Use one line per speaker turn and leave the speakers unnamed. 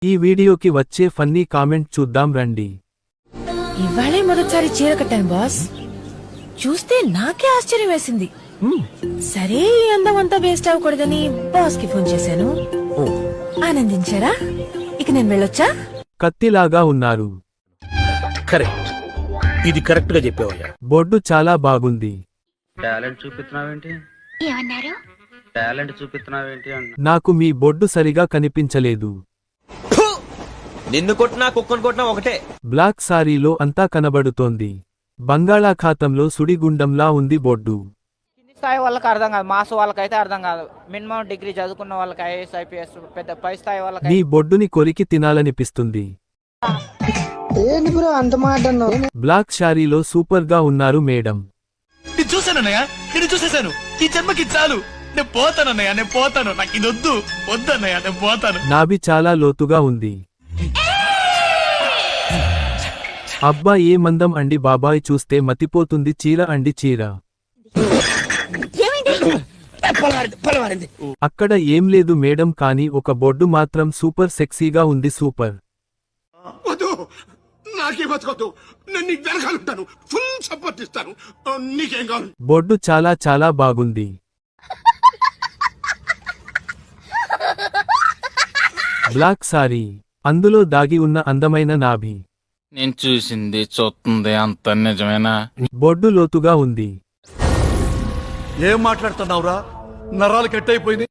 ఈ వీడియోకి వచ్చే ఫన్నీ కామెంట్ చూద్దాం రండి.
ఇవాళే మొదటిసారి చీర కట్టాను బాస్. చూస్తే నాకే ఆశ్చర్యం వేసింది. సరే ఈ అందం అంతా వేస్ట్ అవ్వకూడదని బాస్ కి ఫోన్ చేశాను. ఆనందించారా? ఇక నేను వెళ్ళొచ్చా?
కత్తిలాగా ఉన్నారు.
కరెక్ట్, ఇది కరెక్ట్ గా చెప్పావయ్యా.
బొడ్డు చాలా బాగుంది.
టాలెంట్ చూపిస్తున్నావేంటి?
ఏమన్నారు?
టాలెంట్ చూపిస్తున్నావేంటి అంట.
నాకు మీ బొడ్డు సరిగా కనిపించలేదు.
నిన్ను కొట్టినా కుక్కను కొట్టినా ఒకటే.
బ్లాక్ సారీలో అంతా కనబడుతోంది. బంగాళాఖాతంలో సుడిగుండంలా ఉంది బొడ్డు.
కింది స్థాయి వాళ్ళకి అర్థం కాదు, మాస్ వాళ్ళకైతే అర్థం కాదు. మినిమం డిగ్రీ చదువుకున్న వాళ్ళకి ఐఏఎస్ ఐపీఎస్ పెద్ద పై స్థాయి వాళ్ళకి
నీ బొడ్డుని కొరికి తినాలనిపిస్తుంది. బ్లాక్ శారీలో సూపర్ గా ఉన్నారు మేడం.
నేను చూశానన్నయ్య, నేను చూసేశాను. ఈ జన్మకి చాలు, నేను పోతానన్నయ్య, నేను పోతాను. నాకు ఇది వద్దు, వద్దన్నయ్య, నేను పోతాను.
నాభి చాలా లోతుగా ఉంది. అబ్బా ఏ మందం అండి బాబాయ్, చూస్తే మతిపోతుంది. చీర అండి చీర. అక్కడ ఏం లేదు మేడం, కానీ ఒక బొడ్డు మాత్రం సూపర్ సెక్సీగా ఉంది. సూపర్.
నాకే బతకొద్దు, నేను నీకు వెనకాలంటాను, ఫుల్ సపోర్ట్ ఇస్తాను. నీకేం కావాలి?
బొడ్డు చాలా చాలా బాగుంది. బ్లాక్ సారీ, అందులో దాగి ఉన్న అందమైన నాభి.
నేను చూసింది చూస్తుంది అంత నిజమేనా?
బొడ్డు లోతుగా ఉంది.
ఏం మాట్లాడుతున్నావురా? నరాలు కట్ అయిపోయింది.